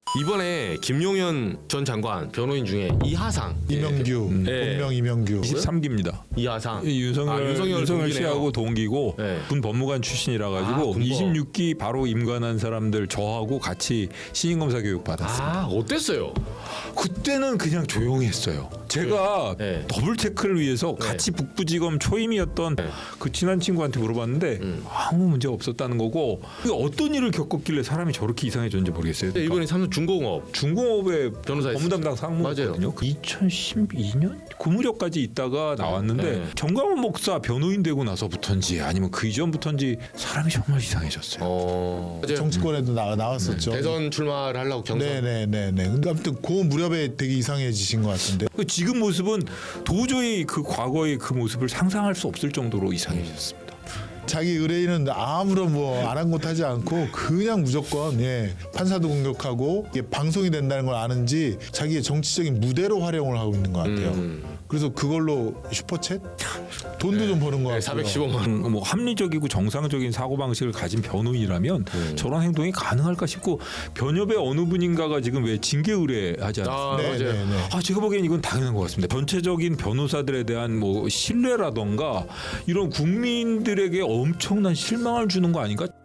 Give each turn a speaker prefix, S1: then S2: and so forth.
S1: 이번에 김용현 전 장관 변호인 중에 이하상,
S2: 이명규,
S1: 네.
S2: 본명 이명규.
S3: 23기입니다.
S1: 이하상,
S3: 윤석열
S1: 동기네요.
S3: 씨하고 동기고
S1: 네.
S3: 군 법무관 출신이라 가지고
S1: 군법.
S3: 26기 바로 임관한 사람들 저하고 같이 신인검사 교육 받았어요.
S1: 어땠어요?
S3: 그때는 그냥 조용했어요. 제가
S1: 네.
S3: 더블 체크를 위해서 같이 북부지검 초임이었던
S1: 네.
S3: 그 친한 친구한테 물어봤는데 아무 문제가 없었다는 거고 어떤 일을 겪었길래 사람이 저렇게 이상해졌는지 모르겠어요.
S1: 근데 이번에 삼성 중공업
S3: 중공업의
S1: 변호사
S3: 법무담당 상무였거든요. 2012년 그 무렵까지 있다가 나왔는데
S1: 네.
S3: 정광훈 목사 변호인 되고 나서부터인지 아니면 그 이전부터인지 사람이 정말 이상해졌어요.
S2: 정치권에도 나왔었죠.
S1: 대선 출마를 하려고 경선.
S2: 네네네네. 근데 아무튼 그 무렵에 되게 이상해지신 것 같은데.
S3: 지금 모습은 도저히 그 과거의 그 모습을 상상할 수 없을 정도로 이상해졌습니다.
S2: 자기 의뢰인은 아무런 뭐 아랑곳하지 않고 그냥 무조건 판사도 공격하고 이게 방송이 된다는 걸 아는지 자기의 정치적인 무대로 활용을 하고 있는 것 같아요. 그래서 그걸로 슈퍼챗 돈도 좀 버는 것 같고요.
S1: 415만 원.
S3: 뭐 합리적이고 정상적인 사고방식을 가진 변호인이라면 저런 행동이 가능할까 싶고 변협의 어느 분인가가 지금 왜 징계 의뢰하지 않았습니까?
S2: 네네네.
S3: 제가 보기엔 이건 당연한 것 같습니다. 전체적인 변호사들에 대한 뭐 신뢰라던가 이런 국민들에게 엄청난 실망을 주는 거 아닌가?